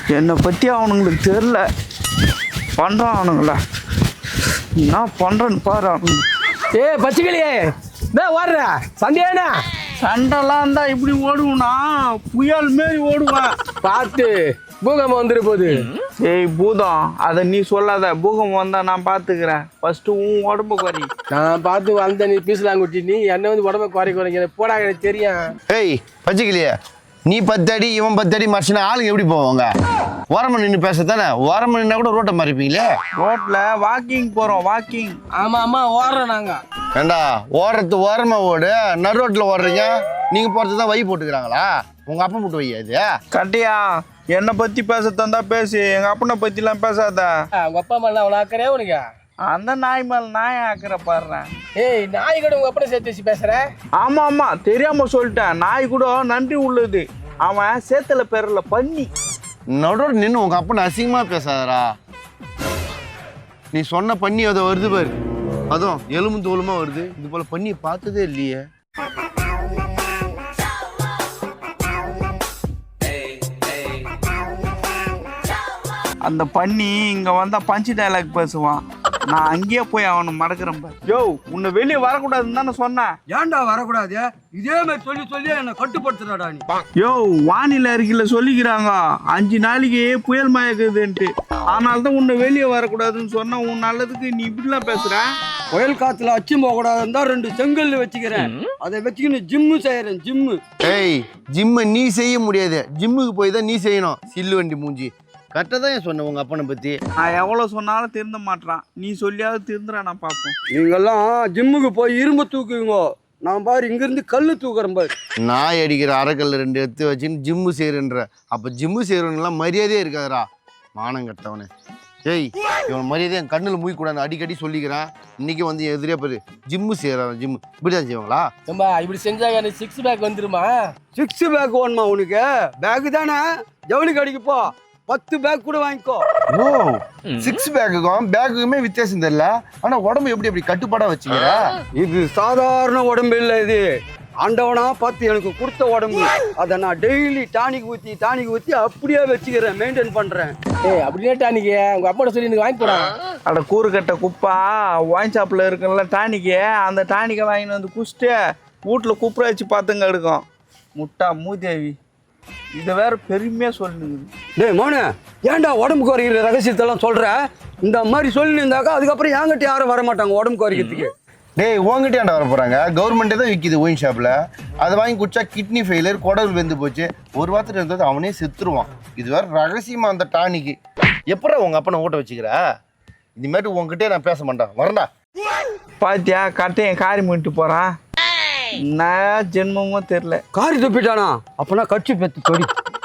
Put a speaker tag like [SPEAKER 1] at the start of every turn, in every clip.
[SPEAKER 1] என்னை பற்றி அவனுங்களுக்கு தெரில. பண்ணுறான் அவனுங்கள. என்ன பண்ணுறேன்னு பாரு அவனுங்க.
[SPEAKER 2] பச்சைக்கிளியே ஓடுற சண்டையானா?
[SPEAKER 1] சண்டைலாம் இருந்தால் இப்படி ஓடுவோம்னா புயல் மாரி ஓடுவேன்.
[SPEAKER 2] பார்த்து பூகம்பம் வந்துரு போகுது.
[SPEAKER 1] ஏய் பூதம், அதை நீ சொல்லாத. பூகம்பம் வந்தால் நான் பார்த்துக்கிறேன். ஃபஸ்ட்டு உன் உடம்பு குறை.
[SPEAKER 2] நான் பார்த்து வந்த நீ பீசலாங்குட்டி, நீ என்ன வந்து உடம்ப குறைக்க போடா, எனக்கு தெரியும்.
[SPEAKER 3] ஏய் பச்சைக்கிளியே, நீ 10 அடி இவன் 10 அடி மறைச்சுனா ஆளுங்க எப்படி போவாங்க? ஓரமாக நின்று பேசத்தானே. ஓரமாக நின்னா கூட ரோட்டை மறைப்பீங்களே.
[SPEAKER 1] ரோட்டில் வாக்கிங் போகிறோம், வாக்கிங்.
[SPEAKER 2] ஆமா ஓடுறோம் நாங்க.
[SPEAKER 3] ஏண்டா ஓடுறது ஓரமாக ஓடு, நடு ரோட்டில் ஓடுறீங்க. நீங்கள் போகிறது தான் வை போட்டுக்கிறாங்களா? உங்கள் அப்பா போட்டு வையா இது?
[SPEAKER 1] கட்டியா, என்னை பற்றி பேச தந்தா பேசு, எங்கள் அப்பனை பற்றிலாம் பேசாத.
[SPEAKER 2] உங்க அப்பா மேல அவ்வளோ ஆக்கறே உனக்கு?
[SPEAKER 1] அந்த நாய் மேலே நாய் ஆக்கிற பாடுறேன்.
[SPEAKER 2] ஏய், நாய் கூட உங்க அப்பனை சேர்த்து வச்சு பேசுற?
[SPEAKER 1] ஆமாம் தெரியாமல் சொல்லிட்டேன். நாய் கூட நன்றி உள்ளது. அவன் சேத்துல பேரில் பண்ணி.
[SPEAKER 3] நடுவோட நின்று உங்கள் அப்பனை அசிங்கமாக பேசாதரா. நீ சொன்ன பண்ணி அதை வருது பாரு, அதுவும் எலும்பு தோலுமா வருது. இது போல் பண்ணி பார்த்ததே இல்லையே.
[SPEAKER 1] அந்த பண்ணி இங்கே வந்தால் பஞ்சு டைலாக் பேசுவான். நான் அங்கேயே போய் அவனை மடக்கிறேன் பாரு. யோ, உன்னை வெளியே வரக்கூடாதுன்னு தானே சொன்னேன்.
[SPEAKER 4] ஏன்டா வரக்கூடாது? இதே மாதிரி சொல்லி சொல்லி என்னை கட்டுப்படுத்துறாடா நீ.
[SPEAKER 1] யோ, வானிலை அறிக்கையில் சொல்லிக்கிறாங்க 5 நாளைக்கு புயல் மயக்குதுன்ட்டு. அதனால தான் உன்னை வெளியே வரக்கூடாதுன்னு சொன்னா உன் நல்லதுக்கு நீ இப்படிலாம் பேசுற.
[SPEAKER 4] புயல் காத்துல அச்சு போகக்கூடாதுன்னு தான் 2 செங்கல் வச்சுக்கிறேன். அதை வச்சுக்கின்னு ஜிம்மு செய்யறேன், ஜிம்மு.
[SPEAKER 3] ஏய், ஜிம்மை நீ செய்ய முடியாது. ஜிம்முக்கு போய் தான் நீ செய்யணும். சில்லு வண்டி மூஞ்சி. கரெக்டாக தான் ஏன் சொன்னேன் உங்கள் அப்பனை பற்றி.
[SPEAKER 1] நான் எவ்வளோ சொன்னாலும் திருந்த மாட்டான். நீ சொல்லியாவது திருந்துறா, நான் பார்ப்போம்.
[SPEAKER 4] நீங்கெல்லாம் ஜிம்முக்கு போய் இரும்பு தூக்குவீங்க, நான் பாரு இங்கிருந்து கல் தூக்குறேன் பாரு.
[SPEAKER 3] நாய் அடிக்கிற அரைக்கல் 2 எடுத்து வச்சுன்னு ஜிம்மு செய்கிறன்ற. அப்போ ஜிம்மு செய்கிறவங்கலாம் மரியாதையே இருக்காதுரா. மானம் கட்டவனே. ஏய், இவன் மரியாதையை என் கண்ணில் மூய்க்கூடாது அடிக்கடி சொல்லிக்கிறேன். இன்னைக்கு வந்து எதிரே பாரு ஜிம்மு செய்கிறான். ஜிம்மு இப்படிதான் செய்வாங்களா?
[SPEAKER 2] இப்படி செஞ்சா எனக்கு 6 பேக் வந்துருமா?
[SPEAKER 4] 6 பேக் வேணுமா உனக்கு? பேக்கு தானே, ஜவுளி கடைக்கு போ, 10 பேக் கூட வாங்கிக்கோ.
[SPEAKER 3] ஓ, 6 பேக்குக்கும் பேக்குக்குமே வித்தியாசம் தெரியல. ஆனால் உடம்பு எப்படி கட்டுப்பாடாக வச்சுக்கிற?
[SPEAKER 4] இது சாதாரண உடம்பு இல்லை, இது ஆண்டவனா பார்த்து எனக்கு கொடுத்த உடம்பு. அதை நான் டெய்லி டானிக் ஊற்றி அப்படியே வச்சுக்கிறேன், மெயின்டைன் பண்ணுறேன்.
[SPEAKER 2] ஏய், அப்படியே டானிக்கு உங்க அப்பா சொல்லி எனக்கு வாங்கி போடா.
[SPEAKER 1] அட கூறு கட்ட குப்பா, ஒயின் ஷாப்பில் இருக்குல்ல டானிக்கு, அந்த டானிக்கை வாங்கிட்டு வந்து குடிச்சிட்டு வீட்டில் குப்புற வச்சு பார்த்துங்க எடுக்கும். முட்டா மூதேவி, இதை வேற பெருமையாக சொல்லுங்க.
[SPEAKER 4] டேய் மோனு, ஏன்டா உடம்பு குறைக்கிற ரகசியத்தெல்லாம் சொல்கிற? இந்த மாதிரி சொல்லியிருந்தாக்கா அதுக்கப்புறம் என்கிட்ட யாரும் வரமாட்டாங்க உடம்பு குறைக்கிறதுக்கு.
[SPEAKER 3] டேய், உங்ககிட்ட வர போகிறாங்க. கவர்மெண்ட்டே தான் விற்கிது ஒயின் ஷாப்பில். அதை வாங்கி குடிச்சா கிட்னி ஃபெயிலியர், குடல் வெந்து போச்சு, ஒரு வாரத்தில் இருந்தது அவனே செத்துருவான். இது வேற ரகசியமாக அந்த டானிக்கு. எப்படா உங்கள் அப்பனை ஓட்ட வச்சுக்கிற? இதுமாரி உங்ககிட்டே நான் பேச மாட்டேன், வரண்டா.
[SPEAKER 1] பாத்தியா, கட்டையன் காரி பண்ணிட்டு போகிறான். நான் ஜென்மமும் தெரில.
[SPEAKER 4] காரி துப்பிட்டானா? அப்பனா கட்சி பெத்து தொடி.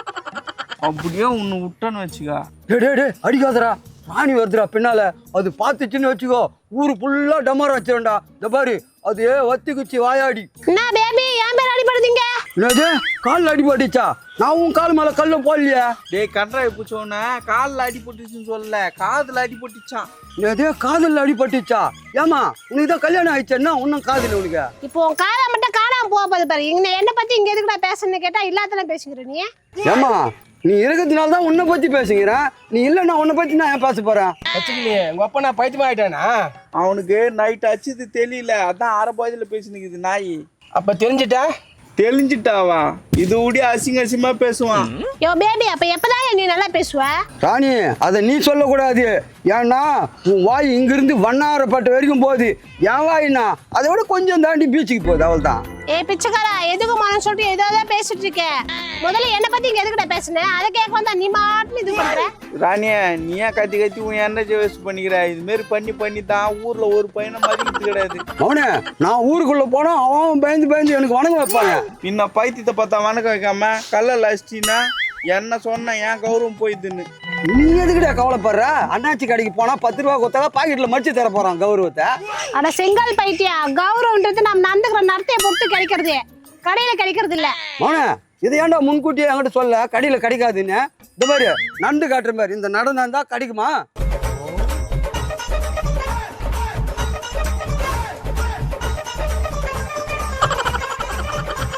[SPEAKER 1] அப்படியே உன்னை விட்டன்னு வச்சுக்கா.
[SPEAKER 4] டே அடிக்காதரா, ராணி வருதுடா பின்னால. அது பார்த்துச்சுன்னு வச்சுக்கோ, ஊரு ஃபுல்லா டமார் வச்சிருண்டா. இந்த பாரு, அது வத்திக்குச்சு வாயாடி.
[SPEAKER 5] என்ன பேபி, ஏன் பேர் அடிபடுதீங்க?
[SPEAKER 4] என்னது, காலில் அடிபட்டுச்சா? நான் உன் கால் மேல கல்ல போடலையா?
[SPEAKER 1] டேய் கன்றாய் பூச்சோன்னு காலில் அடிபட்டுச்சுன்னு சொல்லல, காதில் அடிபட்டுச்சான்.
[SPEAKER 4] என்னது, காதில் அடிபட்டுச்சா? ஏமா, உனக்கு தான் கல்யாணம் ஆயிடுச்சேன்னா உன்னும் காதில் உனக்கு?
[SPEAKER 5] இப்போ உன் காதை மட்டும் காணாம போகுது பாரு. என்ன பத்தி இங்க எதுக்குடா பேசணும்னு கேட்டா இல்லாதெல்லாம் பேசுகிற நீ.
[SPEAKER 4] ஏமா, நீ இருக்கிறதுனால தான் உன்னை பத்தி பேசுகிறேன். நீ இல்லைன்னா உன்னை பத்தி நான் ஏன் பேச போறேன்?
[SPEAKER 2] பச்சைக்கிளியே, உங்க அப்பா நான் பைத்தியமா ஆயிட்டானா?
[SPEAKER 1] அவனுக்கு நைட் அச்சுது தெரியல, அதான் அரைபாதியில் பேசினுக்குது நாய்.
[SPEAKER 2] அப்ப தெரிஞ்சிட்டா?
[SPEAKER 1] தெளிஞ்சிட்டாவா? இது ஊடி அசிங்கமா பேசுவான்.
[SPEAKER 5] யோ பேபி, அப்ப எப்பதான் நீ நல்லா பேசுவ?
[SPEAKER 4] ராணி, அதை நீ சொல்லக்கூடாது. ஏன்னா உன் வாய் இங்கிருந்து வண்ணாரப்பட்ட வரைக்கும் போகுது. என் வாயினா அதை விட கொஞ்சம் தாண்டி பீச்சுக்கு போகுது, அவள் தான்.
[SPEAKER 5] ஏ பிச்சைக்காரா, எதுக்கு மனம் சொல்லிட்டு ஏதோ பேசிட்டு இருக்க? முதல்ல என்ன பத்தி இங்க எதுக்குடா பேசுன? அதை கேட்க வந்தா நீ மாட்டுன்னு இது பண்ற.
[SPEAKER 1] ராணியா, நீ ஏன் கத்தி உன் எனர்ஜி வேஸ்ட் பண்ணிக்கிற? இது மாரி பண்ணி தான் ஊர்ல ஒரு பையனை மதிக்கிறது கிடையாது.
[SPEAKER 4] அவனே, நான் ஊருக்குள்ள போனா அவன் பயந்து எனக்கு வணங்க வைப்பாங்க.
[SPEAKER 1] பின்ன பைத்தியத்தை பார்த்தா வணக்கம் வைக்காம கல்ல அடிச்சிட்டின்னா என்ன சொன்ன என் கௌரவம் போயிதுன்னு.
[SPEAKER 4] நீ எதுக்கிட்ட கவலைப்படுற? அண்ணாச்சி கடைக்கு போனா 10 ரூபா கொடுத்தா பாக்கெட்ல மடிச்சு தர போறான் கௌரவத்தை.
[SPEAKER 5] அட செங்கல் பைத்தியா, கௌரவன்றது நம்ம நடந்துக்கிற நடத்தையை பொறுத்து கிடைக்கிறது, கடையில கிடைக்கிறது இல்ல.
[SPEAKER 4] அவனே, இதை ஏன்டா முன்கூட்டியே என்கிட்ட சொல்ல கடையில கிடைக்காதுன்னு? இந்த மாதிரி நண்டு காட்டுற மாதிரி இந்த நடனம் தான் கிடைக்குமா?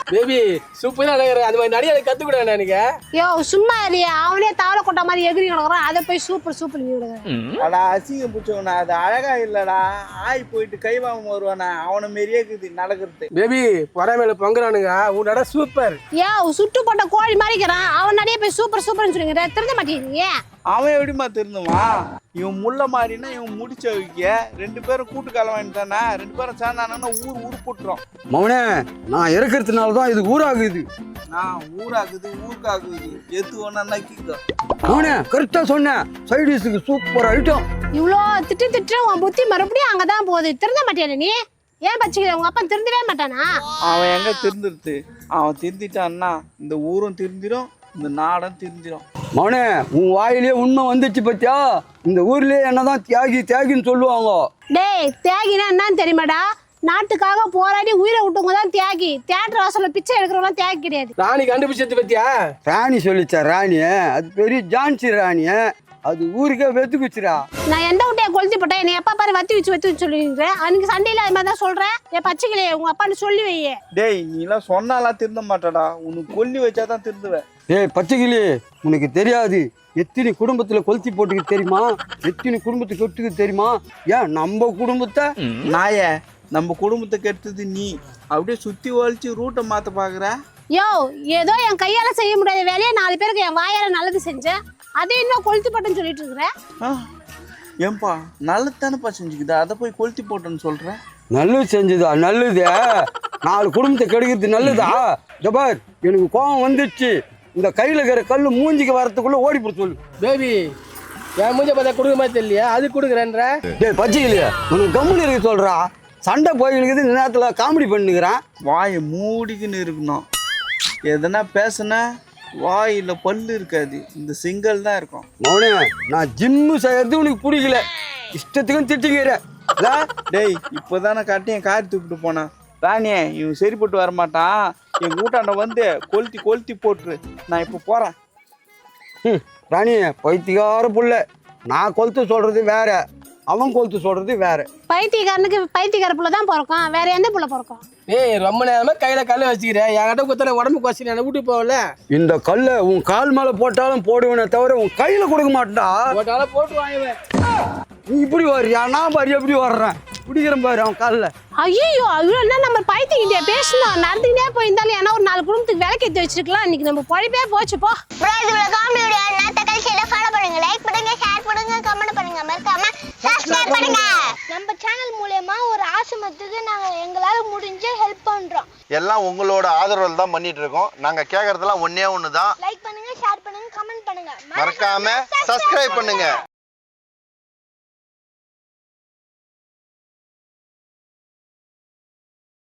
[SPEAKER 2] பேபி சூப்பரா நடிகர் அது மாதிரி நடிகரை கத்துக்கூட எனக்கு
[SPEAKER 5] யோ சும்மா இல்லையா அவனே தவளை கொட்ட மாதிரி எகிரி கிடக்குறான் அதை போய் சூப்பர் சூப்பர் நீ விடுங்க
[SPEAKER 1] அடா அசிங்கம் பிடிச்சவனா அது அழகா இல்லடா ஆய் போயிட்டு கை வாங்க வருவானா அவனை மாரியே இருக்குது நடக்கிறது.
[SPEAKER 2] பேபி பொறாமையில பொங்குறானுங்க உன்னோட சூப்பர்.
[SPEAKER 5] யோ சுட்டு போட்ட கோழி மாதிரிக்கிறான் அவன் நிறைய போய் சூப்பர் சூப்பர்னு சொல்லுங்க திருந்த மாட்டேங்கிறீங்க.
[SPEAKER 1] அவன் எப்படிமா திருந்துவான்? இவன் முள்ள மாறினா இவன் முடிச்ச வைக்க 2 பேரும் கூட்டு கலவாணி தானே 2 பேரும் சேர்ந்தானா ஊர் போட்டுரும்.
[SPEAKER 4] மவனே நான் இருக்கிறதுனால தான் இது ஊராகுது.
[SPEAKER 1] நான் ஊராகுது ஊருக்காகுது எத்து ஒன்னா கீக்க.
[SPEAKER 4] மவனே கரெக்டா சொன்னேன். சைடிஸுக்கு சூப்பர் ஐட்டம்.
[SPEAKER 5] இவ்வளோ திட்டு உன் புத்தி மறுபடியும் அங்கதான் போகுது திருந்த மாட்டேன் நீ. ஏன் பச்சிக்கிற உங்க அப்பா திருந்தவே மாட்டானா?
[SPEAKER 1] அவன் எங்க திருந்துருது? அவன் திருந்திட்டான்னா இந்த ஊரும் திருந்திடும் இந்த நாடும் திருந்திடும்.
[SPEAKER 4] மவனே உன் வாயிலேயே உண்மை வந்துச்சு பத்தியா? இந்த ஊர்லயே என்னதான் தியாகின்னு சொல்லுவாங்க.
[SPEAKER 5] டேய் தியாகினா என்னன்னு தெரியுமாடா? நாட்டுக்காக போராடி உயிரை விட்டவங்க தான் தியாகி. தியேட்டர் வாசல்ல பிச்சை எடுக்கிறவங்க தியாகி கிடையாது.
[SPEAKER 2] ராணி கண்டுபிடிச்சது பத்தியா?
[SPEAKER 4] ராணி சொல்லிச்சா ராணி? அது பெரிய ஜான்சி ராணி. அது ஊருக்கே வெத்துக்குச்சுரா.
[SPEAKER 5] நான் எந்த விட்டையை கொளுத்தி போட்டேன் என்னை எப்பா பாரு வத்தி வச்சு சொல்லிருக்கிறேன். அன்னைக்கு சண்டையில அது மாதிரி தான் சொல்றேன். என் பச்சைக்கிளையே உங்க அப்பான்னு சொல்லி வையே.
[SPEAKER 1] டேய் நீ எல்லாம் சொன்னாலாம் திருந்த மாட்டடா. உனக்கு கொல்லி வச்சாதான் திருந்துவேன்.
[SPEAKER 4] ஏய் பச்சைக்கிளி உனக்கு தெரியாது. எத்தனை குடும்பத்துல கொளுத்தி போட்டுக்கு தெரியுமா? எத்தனை குடும்பத்துக்கு கெட்டுக்கு தெரியுமா? ஏன் நம்ம குடும்பத்தை
[SPEAKER 1] நாய நம்ம குடும்பத்தை கெடுத்தது நீ. அப்படியே சுத்தி வலிச்சு ரூட்டை மாத்த பாக்குற.
[SPEAKER 5] யோ ஏதோ என் கையால செய்ய முடியாத வேலையை 4 பேருக்கு என் வாயால நல்லது செஞ்சேன். அதை இன்னும் கொளுத்தி போட்டேன்னு சொல்லிட்டு இருக்கிறேன்.
[SPEAKER 1] ஏன்பா நல்லதானப்பா செஞ்சுக்குது அதை போய் கொளுத்தி போட்டேன்னு சொல்ற?
[SPEAKER 4] நல்லது செஞ்சுதா? நல்லது 4 குடும்பத்தை கெடுக்கிறது நல்லதா? ஜபார் எனக்கு கோபம் வந்துடுச்சு. இந்த கையில இருக்கிற கல்லு மூஞ்சிக்கு வரத்துக்குள்ள ஓடி போட சொல்லு.
[SPEAKER 2] பேபி என் மூஞ்ச பார்த்தா கொடுக்க மாதிரி தெரியலையா? அது கொடுக்குறேன்ற.
[SPEAKER 4] டேய் பச்சைக்கிளியா உனக்கு கம்முனு இருக்க சொல்றா. சண்டை போயிருக்கு இந்த நேரத்துல காமெடி பண்ணுகிறான்.
[SPEAKER 1] வாயை மூடிக்குன்னு இருக்கணும். எதனா பேசுனா வாயில பல்லு இருக்காது இந்த சிங்கல் தான் இருக்கும்.
[SPEAKER 4] மௌனே நான் ஜிம்மு செய்யறது உனக்கு பிடிக்கல. இஷ்டத்துக்கும் திட்டிக்கிறேன்.
[SPEAKER 1] டேய் இப்போதானே காட்டி என் காரி தூக்கிட்டு போனான். ராணியே இவன் சரிப்பட்டு வரமாட்டான். என் கூட்டாண்ட வந்து கொளுத்தி போட்டுரு. நான் இப்போ போறேன்.
[SPEAKER 4] ராணி பைத்தியக்கார புள்ள. நான் கொளுத்து சொல்றது வேற, அவன் கொளுத்து சொல்றது வேற.
[SPEAKER 5] பைத்தியக்காரனுக்கு பைத்தியக்கார புள்ள தான் பிறக்கும். வேற எந்த புள்ள பிறக்கும்?
[SPEAKER 2] ஏய் ரொம்ப நேரமா கையில கல்ல வச்சுக்கிறேன். என்கிட்ட குத்தன உடம்பு கொஸ்டின் என்ன விட்டு போகல.
[SPEAKER 4] இந்த கல்லை உன் கால் மேல போட்டாலும் போடுவேனே தவிர உன் கையில கொடுக்க மாட்டா.
[SPEAKER 2] போட்டாலும் போட்டு வாங்குவேன்.
[SPEAKER 4] நீ இப்படி வர்றியா? நான் பாரு எப்படி வர்றேன். பிடிக்கிறேன் பாரு அவன் காலில்.
[SPEAKER 5] ஐயோ ஐயோ என்ன நம்ம பைத்தியக்கிட்டே பேசணும். நடந்துக்கிட்டே போயிருந்தாலும் ஏன்னா ஒரு 4 குடும்பத்துக்கு விலைக்கு ஏற்றி வச்சிருக்கலாம். இன்னைக்கு நம்ம பொழைப்பே போச்சு போ.
[SPEAKER 6] லைக் பண்ணுங்க, ஷேர் பண்ணுங்க, கமெண்ட் பண்ணுங்க, மறக்காம சப்ஸ்கிரைப் பண்ணுங்க. நம்ம சேனல் மூலமா ஒரு ஆசிரமத்துக்கு நாங்க எங்களால முடிஞ்ச ஹெல்ப் பண்றோம்.
[SPEAKER 3] எல்லாம் உங்களோட ஆதரவில் தான் பண்ணிட்டு இருக்கோம். நாங்க கேட்கறதெல்லாம் ஒண்ணே ஒன்று தான்.
[SPEAKER 6] லைக் பண்ணுங்க, ஷேர் பண்ணுங்க, கமெண்ட் பண்ணுங்க,
[SPEAKER 3] மறக்காம சப்ஸ்கிரைப் பண்ணுங்க.